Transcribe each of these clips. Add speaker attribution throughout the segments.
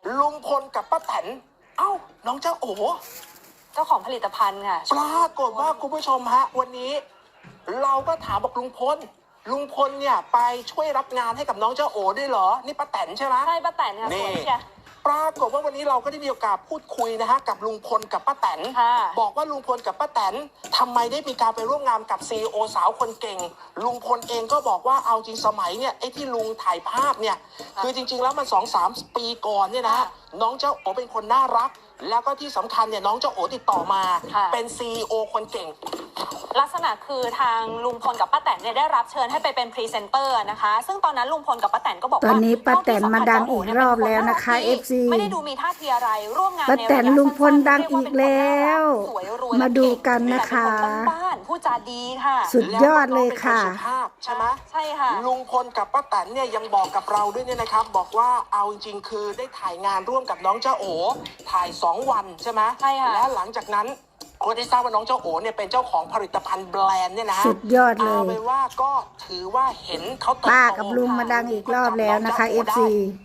Speaker 1: ลุงพลกับป้าแตนเอ้าน้องเจ้าโอ
Speaker 2: เจ้าของผลิตภัณฑ์ค่ะ
Speaker 1: ปรากฏว่าคุณผู้ชมฮะวันนี้เราก็ถามบอกลุงพลเนี่ยไปช่วยรับงานให้กับน้องเจ้าโอด้วยเหรอนี่ป้าแตนใช่ไหม
Speaker 2: ใช่ป้าแตนค่ะสวยเชีย
Speaker 1: ปรากฏว่าวันนี้เราก็ได้มีโอกาสพูดคุยนะฮะกับลุงพลกับป้าแตนบอกว่าลุงพลกับป้าแตนทำไมได้มีการไปร่วมงานกับซีอีโอสาวคนเก่งลุงพลเองก็บอกว่าเอาจริงสมัยเนี่ยไอ้ที่ลุงถ่ายภาพเนี่ยคือจริงๆแล้วมัน2-3 ปีก่อนเนี่ยนะน้องเจ้าโอเป็นคนน่ารักแล้วก็ที่สำคัญเนี่ยน้องเจ้าโอติดต่อมาเป็นซีอีโอคนเก่ง
Speaker 2: ลักษณะคือทางลุงพลกับป้าแตนเนี่ยได้รับเชิญให้ไปเป็นพรีเซนเตอร์นะคะซึ่งตอนนั้นลุงพลกับป้าแตนก็บอกว่า
Speaker 3: ตอนนี้ป้าแตนมาดังอีกรอบแล้วนะคะ FC
Speaker 2: ไม่ได้ดูมีท่าทีอะไรร่วมงาน
Speaker 3: ป้าแตนลุงพลดังอีกแล้วมาดูกันนะคะ
Speaker 2: บ้านผู้จาดีค่ะ
Speaker 3: สุดยอดเลยค่ะ
Speaker 1: ใช่ไหม
Speaker 2: ใช่ค่ะ
Speaker 1: ลุงพลกับป้าแตนเนี่ยยังบอกกับเราด้วยเนี่ยนะครับบอกว่าเอาจริงๆคือได้ถ่ายงานร่วมกับน้องเจ้าโอถ่าย2 วันใช่ไหม
Speaker 2: ใช่ค่ะ
Speaker 1: และหลังจากนั้นคนที่ทราบว่าน้องเจ้าโอเนี่ยเป็นเจ้าของผลิตภัณฑ์แบรนด์เนี่ยนะ
Speaker 3: สุดยอดเลย
Speaker 1: เอาเป็นว่าก็ถือว่าเห็นเขาเติบโต
Speaker 3: ป้ากับลุงมาดังอีกรอบแล้วนะคะ FC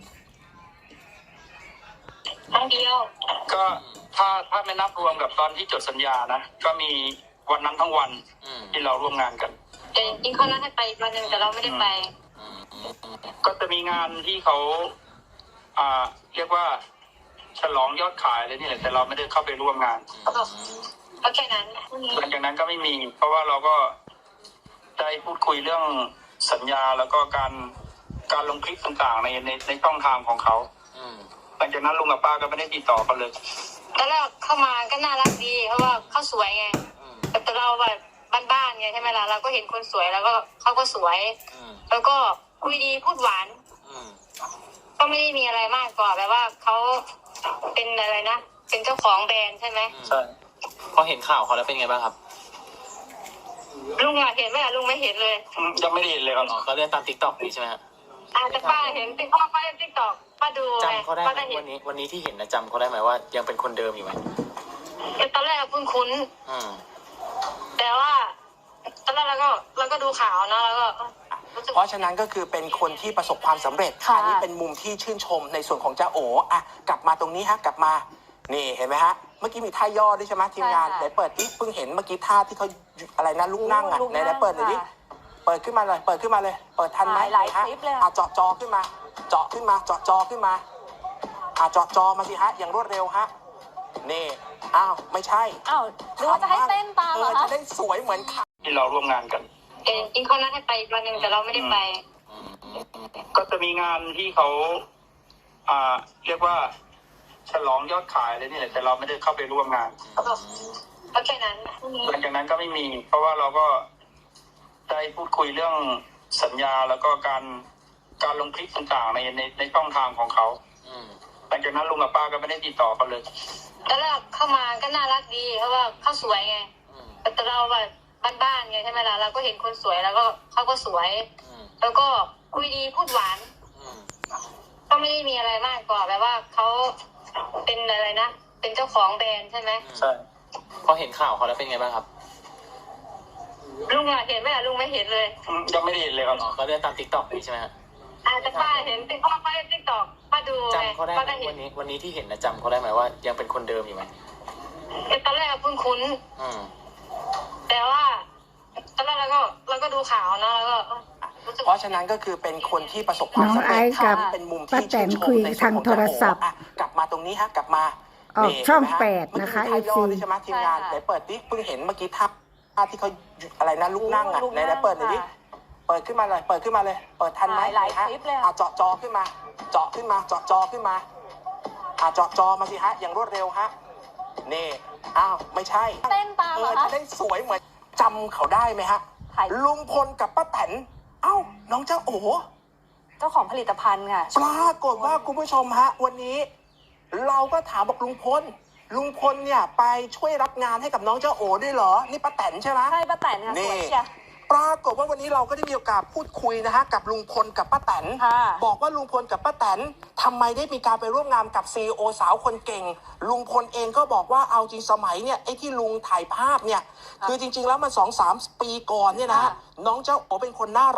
Speaker 4: ครั้งเดียวก็ถ้าไม่นับรวมกับตอนที่จดสัญญานะก็มีวันนั้นทั้งวันที่เราร่วมงานกัน
Speaker 5: แต่จริงๆเขานัดให้ไปวันหนึ่งแต่เราไม่ได้ไป
Speaker 4: ก็จะมีงานที่เขาเรียกว่าฉลองยอดขายเลยนี่แหละแต่เราไม่ได้เข้าไปร่วมงาน
Speaker 5: ก็แค่นั้น
Speaker 4: หลังจากนั้นก็ไม่มีเพราะว่าเราก็ได้พูดคุยเรื่องสัญญาแล้วก็การลงคลิปต่างๆในช่องทางของเขาหลังจากนั้นลุงกับป้าก็ไม่ได้ติดต่อกันเลย
Speaker 5: ตอนแรกเข้ามาก็น่ารักดีเพราะว่าเขาสวยไงแต่เราแบบบ้านๆไงใช่ไหมล่ะเราก็เห็นคนสวยแล้วก็เขาก็สวยแล้วก็คุยดีพูดหวานก็ไม่ได้มีอะไรมากกว่าแบบว่าเขาเป็นอะไรนะเป็นเจ้าของแบรนด์ใช่ไหม
Speaker 4: ใช่พอเห็นข่าวเขาแล้วเป็นไงบ้างครับ
Speaker 5: ลุงเห็นไหมลุงไม่เห็นเลย
Speaker 4: ยังไม่ได้เห็นเลยครับก็เล่นตามติ๊กต็อกนี่ใช่ไหมฮะ
Speaker 5: แต่ป้าเห็นติ๊กต็อกป้าเล่นติ๊กต็อกป้าดู
Speaker 4: จำเขาได้ไหมวันนี้ที่เห็นนะจำเขาได้ไหมว่ายังเป็นคนเดิมอยู่ไหม
Speaker 5: ตอนแรกคุ้นแต่ว่าตอนแรกเราก็ดูข่าวนะแล้วก็
Speaker 1: เพราะฉะนั้นก็คือเป็นคนที่ประสบความสำเร็จอันนี้เป็นมุมที่ชื่นชมในส่วนของเจ้าโอกลับมาตรงนี้ฮะกลับมานี่เห็นไหมฮะเมื่อกี้มีท่าย่อด้วยใช่ไหมทีมงานไหนเปิดที่เพิ่งเห็นเมื่อกี้ท่าที่เขาอะไรนะลุกนั่งไหนเปิดหน่อยดิเปิดขึ้นมาเลยเปิดทันไหม
Speaker 2: หลายคลิปเลย
Speaker 1: เจาะจอขึ้นมาเจาะจอขึ้นมาเจาะจอมาสิฮะอย่างรวดเร็วฮะนี่ไม่ใช่
Speaker 2: หรือว่าจะให้เต้นตามเหรอ
Speaker 1: จะได้สวยเหมือน
Speaker 4: ที่เราร่วมงานกัน
Speaker 5: จริงๆเขานัดให้ไปวันหนึ่งแต่เราไม่ได้ไป
Speaker 4: ก็จะมีงานที่เขาเรียกว่าฉลองยอดขายเลยนี่แหละแต่เราไม่ได้เข้าไปร่วมงาน
Speaker 5: ก็แค่นั้น
Speaker 4: หลังจากนั้นก็ไม่มีเพราะว่าเราก็ได้พูดคุยเรื่องสัญญาแล้วก็การลงคลิปต่างๆในช่องทางของเขาหลังจากนั้นลุงกับป้าก็ไม่ได้ติดต่อกันเลย
Speaker 5: ตอนแรกเข้ามาก็น่ารักดีเพราะว่าเขาสวยไงแต่เราแบบบ้านๆไงใช่ไหมล่ะเราก็เห็นคนสวยแล้วก็เขาก็สวยแล้วก็คุยดีพูดหวานก็ไม่ได้มีอะไรมากกว่าแบบว่าเขาเป็นอะไรนะเป็นเจ้าของแบรนด์ใช่ไหม
Speaker 4: ใช่พอเห็นข่าวเขาแล้วเป็นไงบ้างครับ
Speaker 5: ลุงเห็นไหมลุงไม่เห็นเลย
Speaker 4: ยังไม่ได้เห็นเลยครับก็เล่นตามติ๊กต็อกนี่ใช่ไหมฮะ
Speaker 5: แต่ป้าเห็นติ๊กต็อกป้าเล่นติ๊กต็อกป้าดู
Speaker 4: จำเขาได้ไหมวันนี้ที่เห็นนะจำเขาได้ไหมว่ายังเป็นคนเดิมอยู่ไหม
Speaker 5: ตอนแรกคุ้นแต่ว่าตอนแรกเราก็ดูข่าวนะแล้วก็
Speaker 1: เพราะฉะนั้นก็คือเป็นคนที่ประสบความสำเร็จเป็นมุมที่ชื่นชมใน
Speaker 3: ทางโทรศัพท์
Speaker 1: กลับมาตรงนี้ฮะกลับมา
Speaker 3: ช่อง8นะคะ
Speaker 1: FC ใช่ไหมทีมงานไหนเปิดดิเพิ่งเห็นเมื่อกี้ท่าที่เขาอะไรนะลุกนั่งไหนเปิดหน่อยดิเปิดขึ้นมาเลยเปิดทันไหม
Speaker 2: หลายคลิปเลย
Speaker 1: เจาะจอขึ้นมาเจาะจอขึ้นมาเจาะจอมาสิฮะอย่างรวดเร็วฮะนี่ไม่ใช่
Speaker 2: เต้นตามเหรอ
Speaker 1: จะได้สวยเหมือนจำเขาได้ไหมฮะลุงพลกับป้าแตนน้องเจ้าโอ
Speaker 2: เจ้าของผลิตภัณฑ์ค่ะ
Speaker 1: ปรากฏว่าคุณผู้ชมฮะวันนี้เราก็ถามบอกลุงพลเนี่ยไปช่วยรับงานให้กับน้องเจ้าโอด้วยเหรอนี่ป้าแตนใช่ไหม
Speaker 2: ใช่ป้าแตนค่ะสวยเชีย
Speaker 1: ปรากฏว่าวันนี้เราก็ได้มีโอกาสพูดคุยนะฮะกับลุงพลกับป้าแตนบอกว่าลุงพลกับป้าแตนทำไมได้มีการไปร่วมงานกับซีอีโอสาวคนเก่งลุงพลเองก็บอกว่าเอาจริงสมัยเนี่ยไอ้ที่ลุงถ่ายภาพเนี่ยคือจริงๆแล้วมัน2-3 ปีก่อนเนี่ยนะน้องเจ้าโอเป็นคนน่ารัก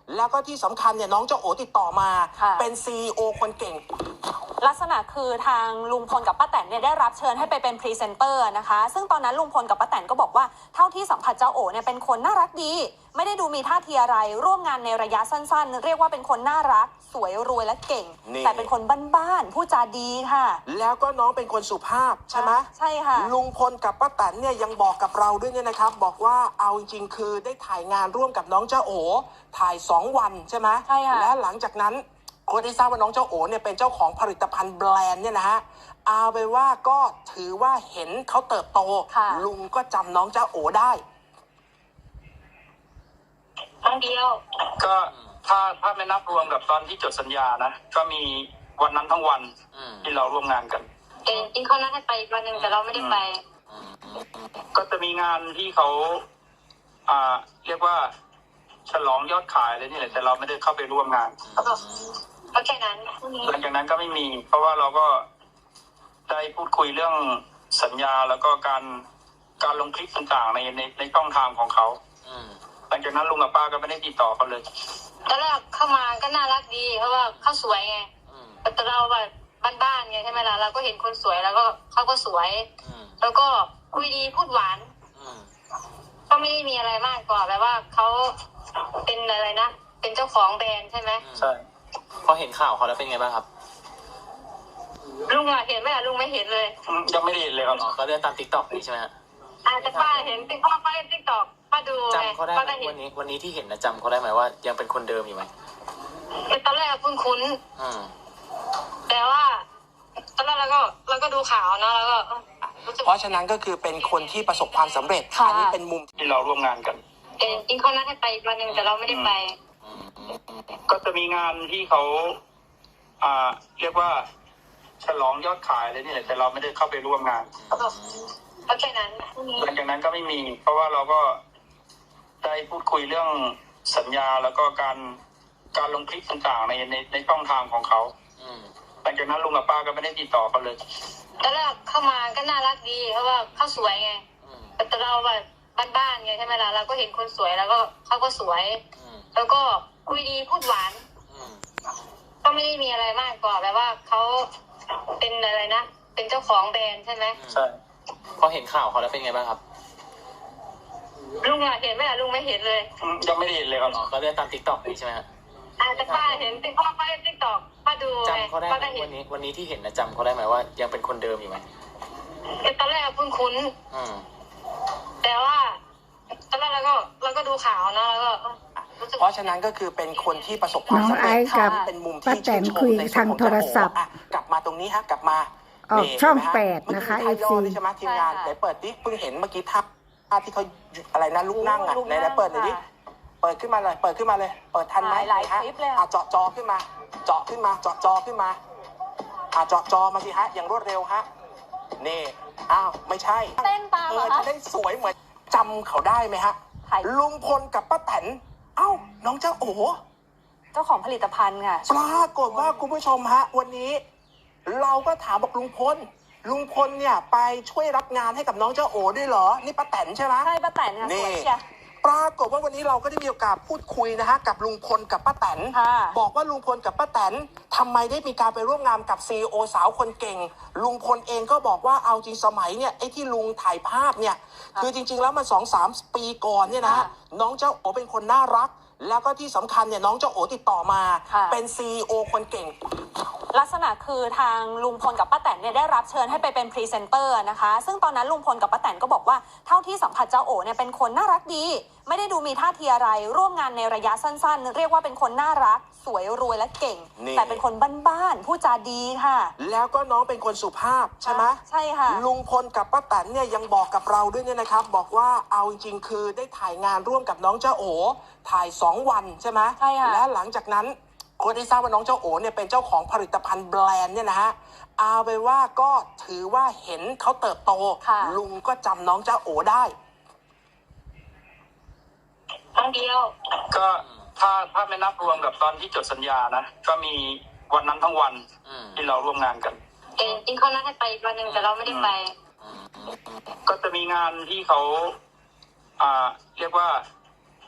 Speaker 1: แล้วก็ที่สำคัญเนี่ยน้องเจ้าโอติดต่อมา
Speaker 2: ค่ะ
Speaker 1: เป็น CEO คนเก่ง
Speaker 2: ลักษณะคือทางลุงพลกับป้าแตนเนี่ยได้รับเชิญให้ไปเป็นพรีเซนเตอร์นะคะ ซึ่งตอนนั้นลุงพลกับป้าแตนก็บอกว่าเท่าที่สัมผัสเจ้าโอเนี่ยเป็นคนน่ารักดี ไม่ได้ดูมีท่าทีอะไรร่วมงานในระยะสั้นๆ เรียกว่าเป็นคนน่ารักสวยรวยและเก่ง
Speaker 1: นี่
Speaker 2: แต่เป็นคนบ้านๆพูดจาดีค่ะ
Speaker 1: แล้วก็น้องเป็นคนสุภาพใช่ไหม
Speaker 2: ใช่ค่ะ
Speaker 1: ลุงพลกับป้าแตนเนี่ยยังบอกกับเราด้วยเนี่ยนะครับ บอกว่าเอาจริงๆคือได้ถ่ายงานร่วมกับน้องเจ้าโอถ่าย2 วันใช่ไหม
Speaker 2: ใช่ค่ะ
Speaker 1: และหลังจากนั้นคนที่ทราบว่าน้องเจ้าโอเนี่ยเป็นเจ้าของผลิตภัณฑ์แบรนด์เนี่ยนะฮะเอาไปนว่าก็ถือว่าเห็นเขาเติบโต ลุงก็จำน้องเจ้าโอได้
Speaker 5: ครั้งเดียว
Speaker 4: ก็ถ้าไม่นับรวมกับตอนที่จดสัญญานะก็มีวันนั้นทั้งวันที่เราร่วมงานกัน
Speaker 5: เองจริงเขานัดให้ไปอีกวันหนึ่งแต่เราไม่ได้ไป
Speaker 4: ก็จะมีงานที่เขาเรียกว่าฉลองยอดขายเลยนี่แหละแต่เราไม่ได้เข้าไปร่วมงาน
Speaker 5: ก็แค่นั้นพรุ่งนี้
Speaker 4: หลังจากนั้นก็ไม่มี เพราะว่าเราก็ได้พูดคุยเรื่องสัญญาแล้วก็การลงคลิปต่างๆในช่องทางของเขาหลังจากนั้นลุงกับป้าก็ไม่ได้ติดต่อกันเลย
Speaker 5: ตอนแรกเข้ามาก็น่ารักดี เพราะว่าเขาสวยไงแต่เราแบบบ้านๆไงใช่ไหมล่ะเราก็เห็นคนสวยแล้วก็เขาก็สวย แล้วก็คุยดีพูดหวานก็ไม่ได้มีอะไรมากกว่าแบบว่าเขาเป็นอะไรนะเป็นเจ้าของแบรนด์ใช่ไหม
Speaker 4: ใช่
Speaker 6: พอเห็นข่าวเขาแล้วเป็นไงบ้างครับ
Speaker 5: ลุงอะเห็นไหมอะลุงไม่เห็นเลย
Speaker 4: ยังไม่ได้เห็นเลยครับ
Speaker 6: ก็เลื่อนตามติ๊กต็อกนี่ใช่ไหมฮะ
Speaker 5: แต่ป้าเห็นติ๊กป้าเล่นติ๊กต็อกป้าดูไง
Speaker 6: จำเขาได้
Speaker 5: ป้า
Speaker 6: ไหม
Speaker 5: ก็เห็น
Speaker 6: วันนี้ที่เห็นนะจำเขาได้ไหมว่ายังเป็นคนเดิมอยู่ไหม
Speaker 5: แต่ตอนแรกคุ้น
Speaker 6: อืม
Speaker 5: ๆแต่ว่าตอนแรกเราก็ดูข่าวเนาะแล้วก็รู้สึก
Speaker 1: เพราะฉะนั้นก็คือเป็นคนที่ประสบความสำเร็จ
Speaker 2: ค่ะ
Speaker 1: อันี้เป็นมุม
Speaker 4: ที่เราร่วมงานกัน
Speaker 5: เองจริงเขานัดให้ไปอีกวันหนึ่งแต่เราไม่ได้ไป
Speaker 4: ก็จะมีงานที่เขาเรียกว่าฉลองยอดขายเลยนี่แหละแต่เราไม่ได้เข้าไปร่วมงาน
Speaker 5: ก็แค่นั้นพรุ่งนี้
Speaker 4: หลังจากนั้นก็ไม่มี เพราะว่าเราก็ได้พูดคุยเรื่องสัญญาแล้วก็การลงคลิปต่างๆในช่องทางของเขาหลังจากนั้นลุงกับป้าก็ไม่ได้ติดต่อกันเลย
Speaker 5: ตอนแรกเข้ามาก็น่ารักดี เพราะว่าเขาสวยไงแต่เราแบบบ้านๆไงใช่ไหมล่ะเราก็เห็นคนสวยแล้วก็เขาก็สวย แล้วก็คุยดีพูดหวานก็ไม่ได้มีอะไรมากกว่าแบบว่าเขาเป็นอะไรนะเป็นเจ้าของแบรนด์ใช่ไหม
Speaker 4: ใช่
Speaker 6: พอเห็นข่าวเขาแล้วเป็นไงบ้างครับ
Speaker 5: ลุงอะเห็นไหมอะลุงไม่เห็นเลย
Speaker 4: ยังไม่ได้เห็นเลยครับ
Speaker 6: ก็เลื่อนตามติ๊กต็อกนี่ใช่ไหมฮะ
Speaker 5: แต่ป้าเห็นติ๊กป้าเล่นติ๊กต็อกป้าดูไง
Speaker 6: จำเขาได้ไหม
Speaker 5: ป้าก็เห็น
Speaker 6: วันนี้ที่เห็นนะจำเขาได้ไหมว่ายังเป็นคนเดิมอยู่ไหม
Speaker 5: แต่ตอนแรกคุ้นๆ
Speaker 6: อืม
Speaker 5: แต่ว่าตอนแรกเราก็ดูข่าวเนาะแล้วก็รู้สึก
Speaker 1: เพราะฉะนั้นก็คือเป็นคนที่ประสบความสำเร็จ
Speaker 3: น้องไอซ์กับ
Speaker 1: เป็นมุม
Speaker 3: ป้า
Speaker 1: ที่
Speaker 3: แตน
Speaker 1: ชื่นช
Speaker 3: คุ
Speaker 1: ม
Speaker 3: ย
Speaker 1: ในส่วน
Speaker 3: ทาง
Speaker 1: ของ
Speaker 3: โทรศัพท์
Speaker 1: อ่ะกลับมาตรงนี้ฮะกลับมา
Speaker 3: ออก
Speaker 1: นี่
Speaker 3: ช่อง
Speaker 1: เห็นไหมฮะ
Speaker 3: 8นะคะ
Speaker 1: เมื่อกี้
Speaker 3: FC
Speaker 1: มีไทยย่อด้วยใช่ไหมทีมงาน
Speaker 2: ใช่ค่ะ
Speaker 1: ไหนเปิดดิเพิ่งเห็นเมื่อกี้ท่าที่เขาอะไรนะลุกนั่งอ่ะไหนเปิดหน่อยดิเปิดขึ้นมาเลยเปิดขึ้นมาเลย เปิดทันไหม
Speaker 2: หลาย
Speaker 1: ฮะ
Speaker 2: คลิปเลย
Speaker 1: อ่ะเจาะจอขึ้นมา เจาะขึ้นมาเจาะจอขึ้นมาเจาะจอมาสิฮะอย่างรวดเร็วฮะนี่อ้าวไม่ใช่
Speaker 2: เต้นตามเหรอคะ
Speaker 1: จะได้สวยเหมือนจำเขาได้ไหมฮะ
Speaker 2: ถ่าย
Speaker 1: ลุงพลกับป้าแตนเอ้าน้องเจ้าโอ
Speaker 2: เจ้าของผลิตภัณฑ์ค่ะ
Speaker 1: ปรากฏว่าคุณผู้ชมฮะวันนี้ เราก็ถามบอกลุงพลเนี่ยไปช่วยรับงานให้กับน้องเจ้าโอด้วยเหรอนี่ป้าแตนใช่ไหม
Speaker 2: ใช่ป้าแตนค่ะสวยเชียร์
Speaker 1: ปรากฏว่าวันนี้เราก็ได้มีโอกาสพูดคุยนะฮะกับลุงพลกับป้าแตน
Speaker 2: ค่ะ
Speaker 1: บอกว่าลุงพลกับป้าแตนทำไมได้มีการไปร่วมงานกับ CEO สาวคนเก่ง ลุงพลเองก็บอกว่าเอาจริงสมัยเนี่ยไอ้ที่ลุงถ่ายภาพเนี่ยคือจริงๆแล้วมัน2-3 ปีก่อนเนี่ยนะฮะน้องเจ้าโอเป็นคนน่ารัก แล้วก็ที่สำคัญเนี่ยน้องเจ้าโอติดต่อมา เป็น CEO คนเก่ง
Speaker 2: ลักษณะคือทางลุงพลกับป้าแตนเนี่ยได้รับเชิญให้ไปเป็นพรีเซนเตอร์นะคะ ซึ่งตอนนั้นลุงพลกับป้าแตนก็บอกว่าเท่าที่สัมผัสเจ้าโอเนี่ยเป็นคนน่ารักดี ไม่ได้ดูมีท่าทีอะไรร่วมงานในระยะสั้นๆ เรียกว่าเป็นคนน่ารักสวยรวยและเก่ง
Speaker 1: นี่
Speaker 2: แต่เป็นคนบ้านๆพูดจาดีค่ะ
Speaker 1: แล้วก็น้องเป็นคนสุภาพใช่ไหม
Speaker 2: ใช่ค่ะ
Speaker 1: ลุงพลกับป้าแตนเนี่ยยังบอกกับเราด้วยเนี่ยนะครับ บอกว่าเอาจริงๆคือได้ถ่ายงานร่วมกับน้องเจ้าโอถ่าย2 วันใช่ไหม
Speaker 2: ใช่ค่ะ
Speaker 1: และหลังจากนั้นคนที่ทราบว่าน้องเจ้าโอเนี่ยเป็นเจ้าของผลิตภัณฑ์แบรนด์เนี่ยนะฮะเอาไปนว่าก็ถือว่าเห็นเขาเติบโต ลุงก็จำน้องเจ้าโอได้
Speaker 5: ครั้งเดียว
Speaker 4: ก็ถ้าไม่นับรวมกับตอนที่จดสัญญานะก็มีวันนั้นทั้งวันที่เราร่วมงานกัน
Speaker 5: เองจริงเขานัดให้ไปอีกวันหนึ่งแต่เราไม่ได้ไป
Speaker 4: ก็จะมีงานที่เขาเรียกว่าฉ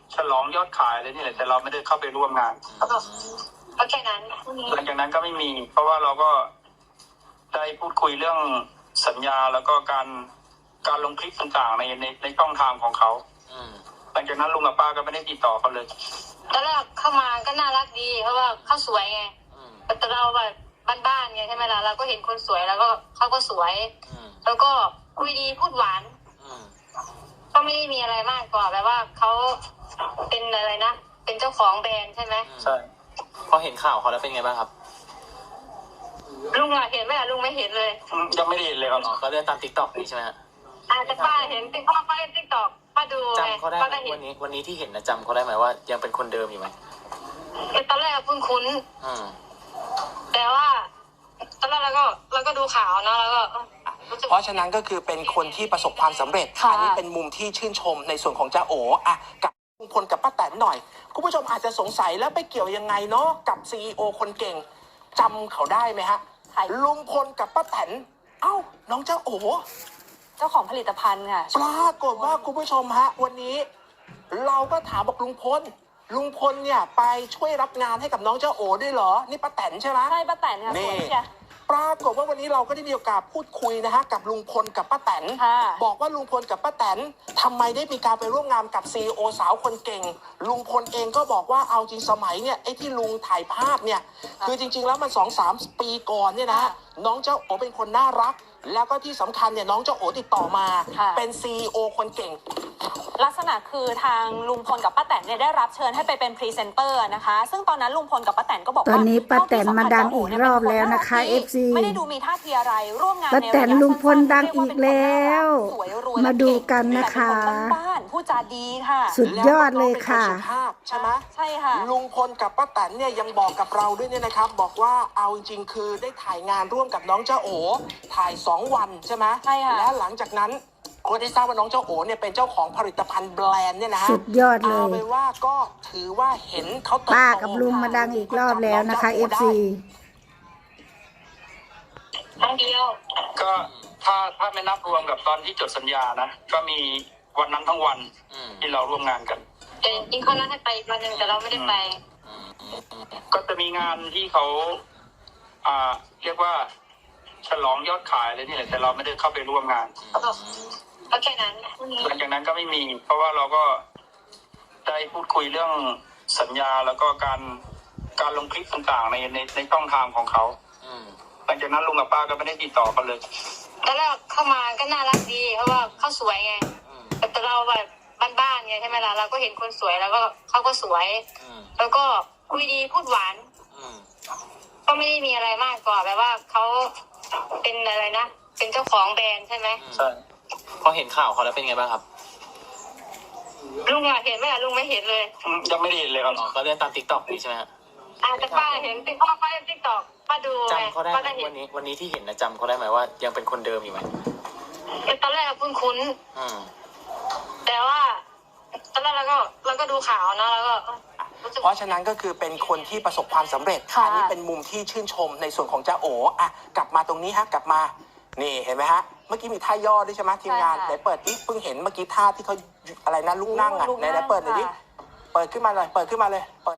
Speaker 4: ฉลองยอดขายเลยนี่แหละแต่เราไม่ได้เข้าไปร่วมงาน
Speaker 5: ก็แค่นั้น
Speaker 4: หลังจากนั้นก็ไม่มี เพราะว่าเราก็ได้พูดคุยเรื่องสัญญาแล้วก็การลงคลิปต่างๆในช่องทางของเขาหลังจากนั้นลุงกับป้าก็ไม่ได้ติดต่อเขาเลย
Speaker 5: ตอนแรกเข้ามาก็น่ารักดี เพราะว่าเขาสวยไงแต่เราแบบบ้านๆไงใช่ไหมล่ะเราก็เห็นคนสวยแล้วก็เขาก็สวยแล้วก็คุยดีพูดหวานก็ไม่ได้มีอะไรมากกว่าแบบว่าเขาเป็นอะไรนะเป็นเจ้าของแบรนด์ใช่ไหม
Speaker 4: ใช่
Speaker 6: พอเห็นข่าวเขาแล้วเป็นไงบ้างครับ
Speaker 5: ลุงอะเห็นไหมอะลุงไม่เห็นเลย
Speaker 4: ยังไม่ได้เห็นเลยครับ
Speaker 6: อ๋อก็เลื่อนตามติ๊กต็อกนี่ใช่ไหมฮะ
Speaker 5: อาจจะป้าเห็นติ๊กต็อกป้าเล่นติ๊กต็อกป้าดูไง
Speaker 6: จำเขาได้
Speaker 5: ป้า
Speaker 6: ไหม
Speaker 5: ก็เห็น
Speaker 6: วันนี้ที่เห็นนะจำเขาได้ไหมว่ายังเป็นคนเดิมอยู่ไหม
Speaker 5: ตอนแรกคุ้น
Speaker 6: อืม
Speaker 5: ๆแต่ว่าตอนแรกเราก็ดูข่าวนะแล้วก็รู้สึก
Speaker 1: เพราะฉะนั้นก็คือเป็นคนที่ประสบความสำเร็จ
Speaker 2: ค่ะ
Speaker 1: อันี้เป็นมุมที่ชื่นชมในส่วนของจ้าโออ่ะกับลุงพลกับป้าแตนหน่อย คุณผู้ชมอาจจะสงสัยแล้วไปเกี่ยวยังไงเนาะกับซีอคนเก่งจำเขาได้ไหมฮะ
Speaker 2: ใคร
Speaker 1: ลุงพลกับป้าแตนเอ้าน้องจ้าโอ
Speaker 2: เจ้าของผลิตภัณฑ์ค่ะ
Speaker 1: ปรากฏว่าคุณผู้ชมฮะวันนี้ เราก็ถามบอกลุงพลเนี่ยไปช่วยรับงานให้กับน้องเจ้าโอด้วยเหรอนี่ป้าแตนใช่ไหม
Speaker 2: ใช่ป้าแตนค่ะส
Speaker 1: นี่
Speaker 2: วยเชีย
Speaker 1: ปรากฏว่าวันนี้เราก็ได้มีโอกาสพูดคุยนะฮะกับลุงพลกับป้าแตน
Speaker 2: ค่ะ
Speaker 1: บอกว่าลุงพลกับป้าแตนทำไมได้มีการไปร่วมงานกับซีอสาวคนเก่ง ลุงพลเองก็บอกว่าเอาจริงสมัยเนี่ยไอ้ที่ลุงถ่ายภาพเนี่ยคือจริงๆแล้วมัน 2-3 ปีก่อนเนี่ยนะฮะน้องเจ้าโอเป็นคนน่ารัก แล้วก็ที่สำคัญเนี่ยน้องเจ้าโอติดต่อมา เป็นซีอคนเก่ง
Speaker 2: ลักษณะคือทางลุงพลกับป้าแตนเนี่ยได้รับเชิญให้ไปเป็นพรีเซนเตอร์นะคะ ซึ่งตอนนั้นลุงพลกับป้าแตนก็บอก
Speaker 3: ต
Speaker 2: ว่า
Speaker 3: อนนี้ป้าแตนมาดังอีกรอบแล้วนะคะ
Speaker 2: เจ้าโอ๋
Speaker 3: FC
Speaker 2: ไม่ได้ดูมีท่าทีอะไรร่วมงาน
Speaker 3: ป้า
Speaker 2: ใน
Speaker 3: แต
Speaker 2: ระ
Speaker 3: น
Speaker 2: ยะ
Speaker 3: ลุงพล
Speaker 2: สั้นๆ
Speaker 3: ดังอีกแล้ว
Speaker 2: สวยรวย
Speaker 3: มาดูกันนะคะ
Speaker 2: แต่เป็นคนบ้านๆผู้จาดีค่ะ
Speaker 3: สุดยอดเลยค่ะ
Speaker 1: แล้วก็เป็นนสุภาพใช่ไหม
Speaker 2: ใช่ค่ะ
Speaker 1: ลุงพลกับป้าแตนเนี่ยยังบอกกับเราด้วยเนี่ยนะครับ บอกว่าเอาจริงๆคือได้ถ่ายงานร่วมกับน้องเจ้าโอถ่าย 2 วันใช่ไหม
Speaker 2: ใช่ค่ะ
Speaker 1: และหลังจากนั้นก็ได้ทราบว่าน้องเจ้าโอเนี่ยเป็นเจ้าของผลิตภัณฑ์แบรนด์เนี่ยนะฮะ
Speaker 3: สุดยอดเล
Speaker 1: เอา
Speaker 3: ย
Speaker 1: เป็นว่าก็ถือว่าเห็นเขาเติบโต
Speaker 3: ป้ากับลุงมาดังอีกรอบแล้วนะคะ FC
Speaker 5: ครั้งเดียว
Speaker 4: ก็ถ้าไม่นับรวมกับตอนที่จดสัญญานะก็มีวันนั้นทั้งวันที่เราร่วมงานกัน
Speaker 5: แต่จริงๆเขานัดให้ไปอีกวันหนึ่งแต่เราไม่ได้ไป
Speaker 4: ก็จะมีงานที่เขาเรียกว่าฉลองยอดขายเลยนี่แหละแต่เราไม่ได้เข้าไปร่วมงาน
Speaker 5: ก็แค่นั้น
Speaker 4: หลังจากนั้นก็ไม่มี เพราะว่าเราก็ได้พูดคุยเรื่องสัญญาแล้วก็การลงคลิปต่างๆในช่องทางของเขาหลังจากนั้นลุงกับป้าก็ไม่ได้ติดต่อเขาเลย
Speaker 5: ตอนแรกเข้ามาก็น่ารักดี เพราะว่าเขาสวยไงแต่เราแบบบ้านๆไงใช่ไหมล่ะเราก็เห็นคนสวยแล้วก็เขาก็สวยแล้วก็คุยดีพูดหวานก็ไม่ได้มีอะไรมากกว่าแบบว่าเขาเป็นอะไรนะเป็นเจ้าของแบรนด์ใช่ไหม
Speaker 4: ใช่
Speaker 6: พอเห็นข่าวเขาแล้วเป็นไงบ้างครับ
Speaker 5: ลุงอะเห็นไหมอะลุงไม่เห็นเลย
Speaker 4: ยังไม่ได้เห็นเลยครับ
Speaker 6: อ๋อก็เลื่อนตามติ๊กต็อกนี่ใช่ไหมฮะ
Speaker 5: อาจจะป้าเห็นติ๊กต็อกป้าเล่นติ๊กต็อกป้าดูไง
Speaker 6: จำเขาได้
Speaker 5: ป้า
Speaker 6: ไหม
Speaker 5: ก็เห็น
Speaker 6: วันนี้ที่เห็นนะจำเขาได้ไหมว่ายังเป็นคนเดิมอยู่ไหม
Speaker 5: ตอนแรกคุ้น
Speaker 6: อืม
Speaker 5: ๆแต่ว่าตอนแรกเราก็ดูข่าวนะแล้วก็รู้สึก
Speaker 1: เพราะฉะนั้นก็คือเป็นคนที่ประสบความสำเร็จ
Speaker 2: ค่ะ
Speaker 1: อันี้เป็นมุมที่ชื่นชมในส่วนของจ้าโออ่ะกลับมาตรงนี้ฮะกลับมานี่เห็นไหมฮะเมื่อกี้มีท่าย่อด้วยใช่ไหมทีมงานไหนเปิดดิเพิ่งเห็นเมื่อกี้ท่าที่เขาอะไรนะลุกนั่งอ่ะไหนเปิดหน่อยดิเปิดขึ้นมาเลยเปิด